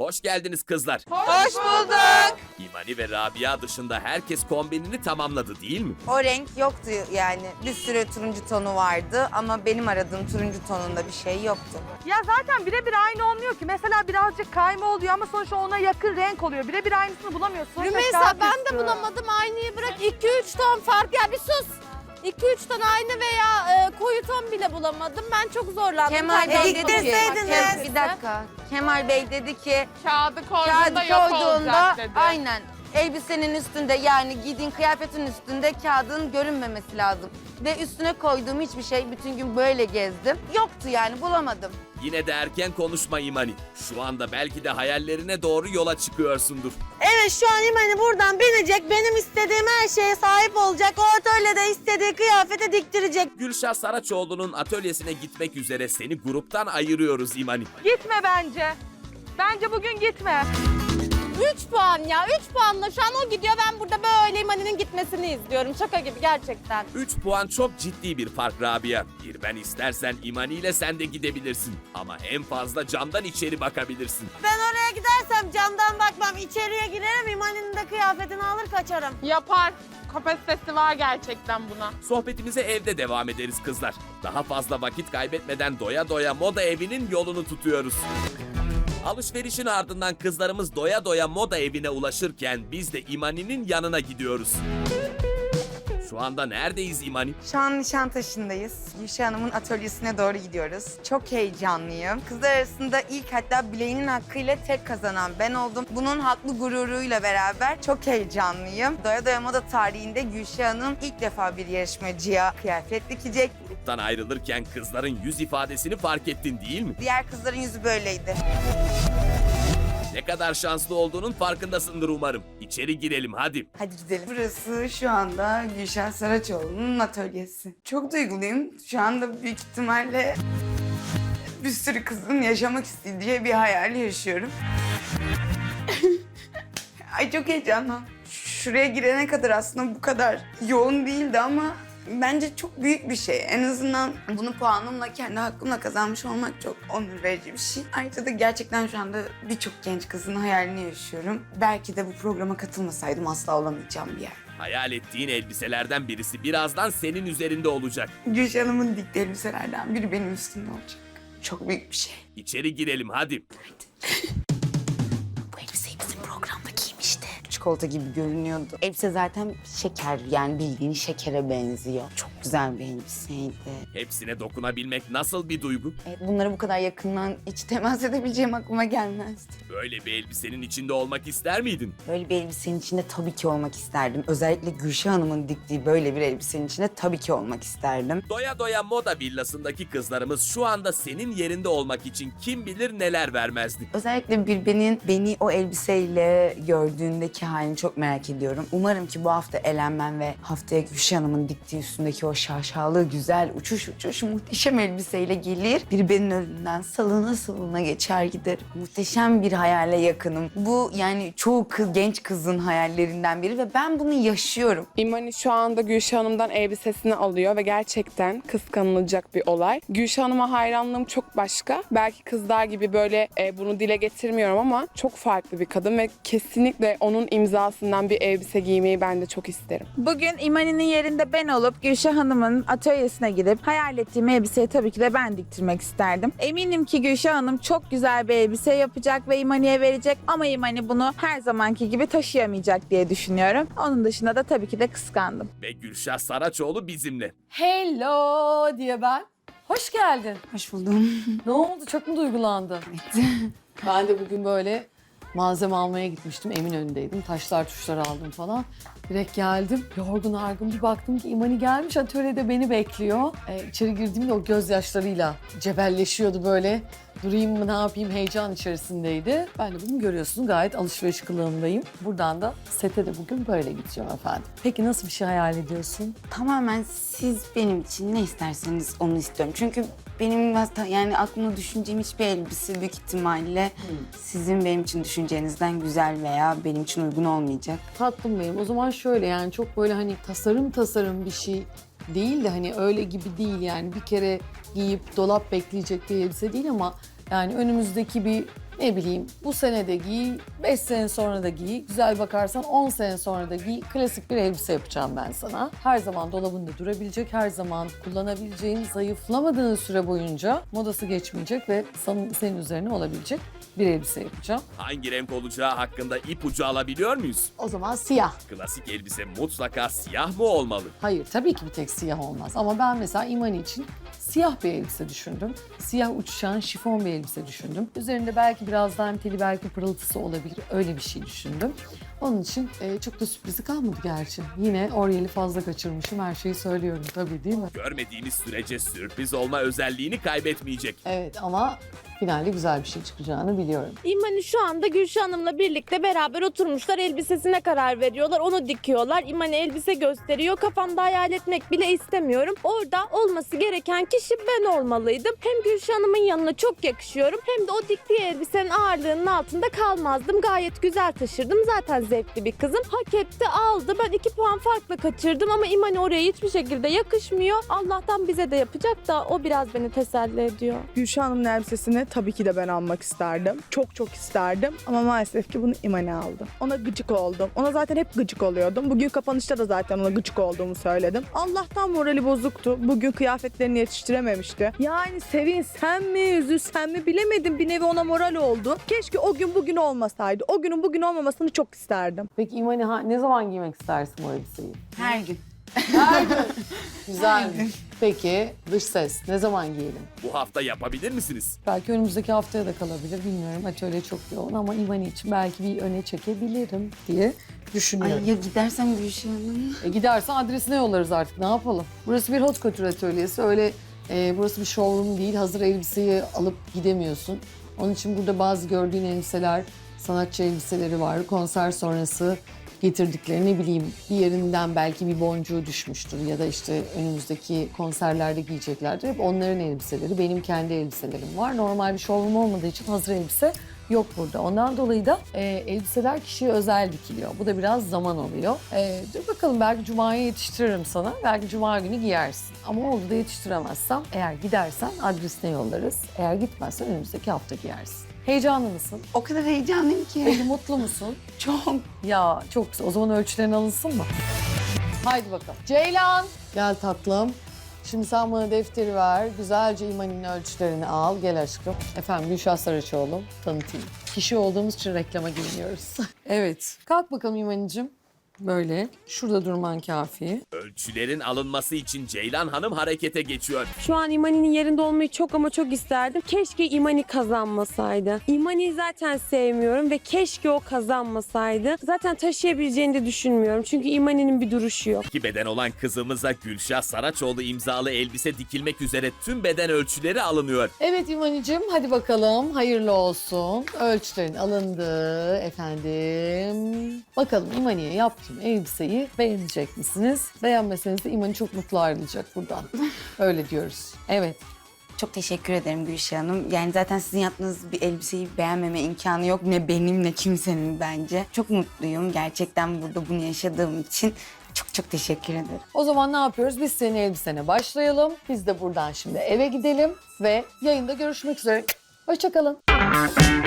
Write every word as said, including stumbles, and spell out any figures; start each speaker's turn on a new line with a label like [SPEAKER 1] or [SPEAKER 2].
[SPEAKER 1] Hoş geldiniz kızlar.
[SPEAKER 2] Hoş bulduk.
[SPEAKER 1] İmani ve Rabia dışında herkes kombinini tamamladı değil mi?
[SPEAKER 2] O renk yoktu yani. Bir sürü turuncu tonu vardı ama benim aradığım turuncu tonunda bir şey yoktu.
[SPEAKER 3] Ya zaten birebir aynı olmuyor ki. Mesela birazcık kayma oluyor ama sonuçta ona yakın renk oluyor. Birebir aynısını bulamıyorsun. Sonuçta
[SPEAKER 4] Rümeysa
[SPEAKER 3] kağıt
[SPEAKER 4] ben
[SPEAKER 3] üstü.
[SPEAKER 4] de bulamadım. Aynıyı bırak. iki üç ton fark. Ya bir sus. iki üç ton aynı veya e, koyu ton bile bulamadım. Ben çok zorlandım.
[SPEAKER 2] Kemal
[SPEAKER 4] Tercih
[SPEAKER 2] Bey
[SPEAKER 4] ettim.
[SPEAKER 2] diktirseydiniz.
[SPEAKER 4] Bak,
[SPEAKER 2] Bir dakika. Kemal Bey dedi ki
[SPEAKER 5] Kağıdı
[SPEAKER 2] kağıdı
[SPEAKER 5] koyduğunda yok
[SPEAKER 2] koyduğunda
[SPEAKER 5] olacak dedi.
[SPEAKER 2] aynen elbisenin üstünde yani giydiğin kıyafetin üstünde kağıdın görünmemesi lazım. Ve üstüne koyduğum hiçbir şey bütün gün böyle gezdim. Yoktu yani bulamadım.
[SPEAKER 1] Yine de erken konuşma İmani. Şu anda belki de hayallerine doğru yola çıkıyorsundur.
[SPEAKER 6] Evet şu an İmani buradan binecek, benim istediğim her şeye sahip olacak. O atölyede istediği kıyafeti diktirecek.
[SPEAKER 1] Gülşah Saraçoğlu'nun atölyesine gitmek üzere seni gruptan ayırıyoruz İmani.
[SPEAKER 3] Gitme bence. Bence bugün gitme.
[SPEAKER 4] üç puan ya. üç puanla şu an o gidiyor. Ben burada böyle İmani'nin gitmesini izliyorum. Şaka gibi gerçekten.
[SPEAKER 1] üç puan çok ciddi bir fark Rabia. Bir ben istersen İmani ile sen de gidebilirsin. Ama en fazla camdan içeri bakabilirsin.
[SPEAKER 6] Ben oraya gidersem camdan bakmam, içeriye girerim, İmani'nin de kıyafetini alır kaçarım.
[SPEAKER 5] Yapar. Kapasitesi var gerçekten buna.
[SPEAKER 1] Sohbetimize evde devam ederiz kızlar. Daha fazla vakit kaybetmeden doya doya moda evinin yolunu tutuyoruz. Alışverişin ardından kızlarımız doya doya moda evine ulaşırken biz de İmani'nin yanına gidiyoruz. Şu anda neredeyiz İmani?
[SPEAKER 2] Şu an Nişantaşı'ndayız. Gülşah Hanım'ın atölyesine doğru gidiyoruz. Çok heyecanlıyım. Kızlar arasında ilk hatta bileğinin hakkıyla tek kazanan ben oldum. Bunun haklı gururuyla beraber çok heyecanlıyım. Doya Doya Moda tarihinde Gülşah Hanım ilk defa bir yarışmacıya kıyafet dikecek.
[SPEAKER 1] Gruptan ayrılırken kızların yüz ifadesini fark ettin değil mi?
[SPEAKER 2] Diğer kızların yüzü böyleydi.
[SPEAKER 1] Ne kadar şanslı olduğunun farkındasındır umarım. İçeri girelim hadi.
[SPEAKER 2] Hadi gidelim. Burası şu anda Gülşah Saraçoğlu'nun atölyesi. Çok duyguluyum. Şu anda büyük ihtimalle bir sürü kızın yaşamak istediği bir hayal yaşıyorum. Ay çok heyecanlı. Şuraya girene kadar aslında bu kadar yoğun değildi ama bence çok büyük bir şey. En azından bunu puanımla, kendi hakkımla kazanmış olmak çok onur verici bir şey. Ayrıca da gerçekten şu anda birçok genç kızın hayalini yaşıyorum. Belki de bu programa katılmasaydım asla olamayacağım bir yer.
[SPEAKER 1] Hayal ettiğin elbiselerden birisi birazdan senin üzerinde olacak.
[SPEAKER 2] Gülşah Hanım'ın diktiği elbiselerden biri benim üstümde olacak. Çok büyük bir şey.
[SPEAKER 1] İçeri girelim hadi.
[SPEAKER 2] Bu elbiseyi bizim programda giymişti. Çikolata gibi görünüyordu. Elbise zaten şeker, yani bildiğin şekere benziyor. Çok güzel bir elbiseydi.
[SPEAKER 1] Hepsine dokunabilmek nasıl bir duygu?
[SPEAKER 2] E, bunlara bu kadar yakından hiç temas edebileceğim aklıma gelmezdi.
[SPEAKER 1] Böyle bir elbisenin içinde olmak ister miydin?
[SPEAKER 2] Böyle bir elbisenin içinde tabii ki olmak isterdim. Özellikle Gülşah Hanım'ın diktiği böyle bir elbisenin içinde tabii ki olmak isterdim.
[SPEAKER 1] Doya doya moda villasındaki kızlarımız şu anda senin yerinde olmak için kim bilir neler vermezdi.
[SPEAKER 2] Özellikle Bilbe'nin beni o elbiseyle gördüğündeki halini çok merak ediyorum. Umarım ki bu hafta elenmem ve haftaya Gülşah Hanım'ın diktiği üstündeki o şaşalı, güzel, uçuş uçuş muhteşem elbiseyle gelir. Bilbe'nin önünden salına salına geçer giderim. Muhteşem bir hayale yakınım. Bu yani çoğu kız, genç kızın hayallerinden biri ve ben bunu yaşıyorum.
[SPEAKER 7] İmani şu anda Gülşah Hanım'dan elbisesini alıyor ve gerçekten kıskanılacak bir olay. Gülşah Hanım'a hayranlığım çok başka. Belki kızlar gibi böyle e, bunu dile getirmiyorum ama çok farklı bir kadın ve kesinlikle onun imzasından bir elbise giymeyi ben de çok isterim.
[SPEAKER 8] Bugün İmani'nin yerinde ben olup Gülşah Hanım'ın atölyesine gidip hayal ettiğim elbiseyi tabii ki de ben diktirmek isterdim. Eminim ki Gülşah Hanım çok güzel bir elbise yapacak ve İmani'ye verecek ama İmani bunu her zamanki gibi taşıyamayacak diye düşünüyorum. Onun dışında da tabii ki de kıskandım.
[SPEAKER 1] Ve Gülşah Saraçoğlu bizimle.
[SPEAKER 9] Hello diye ben. Hoş geldin.
[SPEAKER 2] Hoş buldum.
[SPEAKER 9] Ne oldu? Çok mu duygulandın? Ben de bugün böyle malzeme almaya gitmiştim. Eminönü'ndeydim. Taşlar tuşlar aldım falan. Direkt geldim. Yorgun argın bir baktım ki İmani gelmiş atölyede beni bekliyor. Ee, içeri girdiğimde o gözyaşlarıyla cebelleşiyordu böyle. Durayım mı ne yapayım heyecan içerisindeydi. Ben de bugün görüyorsunuz gayet alışveriş kılığındayım. Buradan da sete de bugün böyle gideceğim efendim. Peki nasıl bir şey hayal ediyorsun?
[SPEAKER 2] Tamamen siz benim için ne isterseniz onu istiyorum. Çünkü benim hatta yani aklımda düşüneceğim hiçbir elbise büyük ihtimalle sizin benim için düşüncenizden güzel veya benim için uygun olmayacak.
[SPEAKER 9] Tatlım benim. O zaman şöyle yani çok böyle hani tasarım tasarım bir şey değil de hani öyle gibi değil yani bir kere giyip dolap bekleyecek bir elbise değil ama yani önümüzdeki bir Ne bileyim bu sene de giy, beş sene sonra da giy, güzel bakarsan on sene sonra da giy. Klasik bir elbise yapacağım ben sana. Her zaman dolabında durabilecek, her zaman kullanabileceğin, zayıflamadığın süre boyunca modası geçmeyecek ve senin, senin üzerine olabilecek bir elbise yapacağım.
[SPEAKER 1] Hangi renk olacağı hakkında ipucu alabiliyor muyuz?
[SPEAKER 9] O zaman siyah.
[SPEAKER 1] Klasik elbise mutlaka siyah mı olmalı?
[SPEAKER 9] Hayır, tabii ki bir tek siyah olmaz. Ama ben mesela İmani için siyah bir elbise düşündüm. Siyah uçuşan şifon bir elbise düşündüm. Üzerinde belki biraz danteli, belki pırıltısı olabilir. Öyle bir şey düşündüm. Onun için e, çok da sürprizi kalmadı gerçi. Yine oryeli fazla kaçırmışım. Her şeyi söylüyorum tabii, değil mi?
[SPEAKER 1] Görmediğimiz sürece sürpriz olma özelliğini kaybetmeyecek.
[SPEAKER 9] Evet ama finalde güzel bir şey çıkacağını biliyorum.
[SPEAKER 4] İmani şu anda Gülşah Hanım'la birlikte beraber oturmuşlar. Elbisesine karar veriyorlar. Onu dikiyorlar. İmani elbise gösteriyor. Kafamda hayal etmek bile istemiyorum. Orada olması gereken kişi ben olmalıydım. Hem Gülşah Hanım'ın yanına çok yakışıyorum. Hem de o diktiği elbisenin ağırlığının altında kalmazdım. Gayet güzel taşırdım. Zaten zevkli bir kızım. Hak etti, aldı. Ben iki puan farkla kaçırdım ama İmani oraya hiçbir şekilde yakışmıyor. Allah'tan bize de yapacak da o biraz beni teselli ediyor.
[SPEAKER 10] Gülşah Hanım'ın elbisesini tabii ki de ben almak isterdim. Çok çok isterdim ama maalesef ki bunu İmane aldı. Ona gıcık oldum. Ona zaten hep gıcık oluyordum. Bugün kapanışta da zaten ona gıcık olduğumu söyledim. Allah'tan morali bozuktu. Bugün kıyafetlerini yetiştirememişti. Yani sevinsen mi, üzülsen mi bilemedim. Bir nevi ona moral oldu. Keşke o gün bugün olmasaydı. O günün bugün olmamasını çok isterdim.
[SPEAKER 9] Peki İmani ha- ne zaman giymek istersin bu elbiseyi?
[SPEAKER 2] Her gün.
[SPEAKER 9] Her gün. Güzel. Peki dış ses ne zaman giyelim?
[SPEAKER 1] Bu hafta yapabilir misiniz?
[SPEAKER 9] Belki önümüzdeki haftaya da kalabilir bilmiyorum. Atölye çok yoğun ama İmani için belki bir öne çekebilirim diye düşünüyorum.
[SPEAKER 2] Ay ya gidersem Gülşah Hanım?
[SPEAKER 9] E gidersen adresine yollarız artık, ne yapalım? Burası bir hot couture atölyesi, öyle e, burası bir showroom değil. Hazır elbiseyi alıp gidemiyorsun. Onun için burada bazı gördüğün elbiseler, sanatçı elbiseleri var. Konser sonrası getirdikleri, ne bileyim bir yerinden belki bir boncuğu düşmüştür ya da işte önümüzdeki konserlerde giyeceklerdir. Hep onların elbiseleri, benim kendi elbiselerim var. Normal bir showroom olmadığı için hazır elbise yok burada. Ondan dolayı da e, elbiseler kişiye özel dikiliyor. Bu da biraz zaman alıyor. E, dur bakalım, belki Cuma'ya yetiştiririm sana. Belki Cuma günü giyersin. Ama oldu da yetiştiremezsem, eğer gidersen adresine yollarız. Eğer gitmezsen önümüzdeki hafta giyersin. Heyecanlı mısın?
[SPEAKER 2] O kadar heyecanlıyım ki.
[SPEAKER 9] Peki mutlu musun?
[SPEAKER 2] Çok.
[SPEAKER 9] Ya çok güzel. O zaman ölçülerin alınsın mı? Haydi bakalım. Ceylan. Gel tatlım. Şimdi sen bana defteri ver. Güzelce İmani'nin ölçülerini al. Gel aşkım. Efendim Gülşah Saraçoğlu. Tanıtayım. Kişi olduğumuz için reklama girmiyoruz. Evet. Kalk bakalım İmani'cim. Böyle. Şurada durman kafi.
[SPEAKER 1] Ölçülerin alınması için Ceylan Hanım harekete geçiyor.
[SPEAKER 4] Şu an İmani'nin yerinde olmayı çok ama çok isterdim. Keşke İmani kazanmasaydı. İmani'yi zaten sevmiyorum ve keşke o kazanmasaydı. Zaten taşıyabileceğini de düşünmüyorum. Çünkü İmani'nin bir duruşu yok.
[SPEAKER 1] İki beden olan kızımıza Gülşah Saraçoğlu imzalı elbise dikilmek üzere tüm beden ölçüleri alınıyor.
[SPEAKER 9] Evet İmani'cim, hadi bakalım. Hayırlı olsun. Ölçülerin alındı efendim. Bakalım İmani'ye yaptım elbiseyi beğenecek misiniz? Beğenmeseniz de İmani çok mutlu ayrılacak buradan. Öyle diyoruz. Evet.
[SPEAKER 2] Çok teşekkür ederim Gülşah Hanım. Yani zaten sizin yaptığınız bir elbiseyi beğenmeme imkanı yok. Ne benim ne kimsenin bence. Çok mutluyum gerçekten burada bunu yaşadığım için. Çok çok teşekkür ederim.
[SPEAKER 9] O zaman ne yapıyoruz? Biz senin elbisene başlayalım. Biz de buradan şimdi eve gidelim ve yayında görüşmek üzere. Hoşça kalın.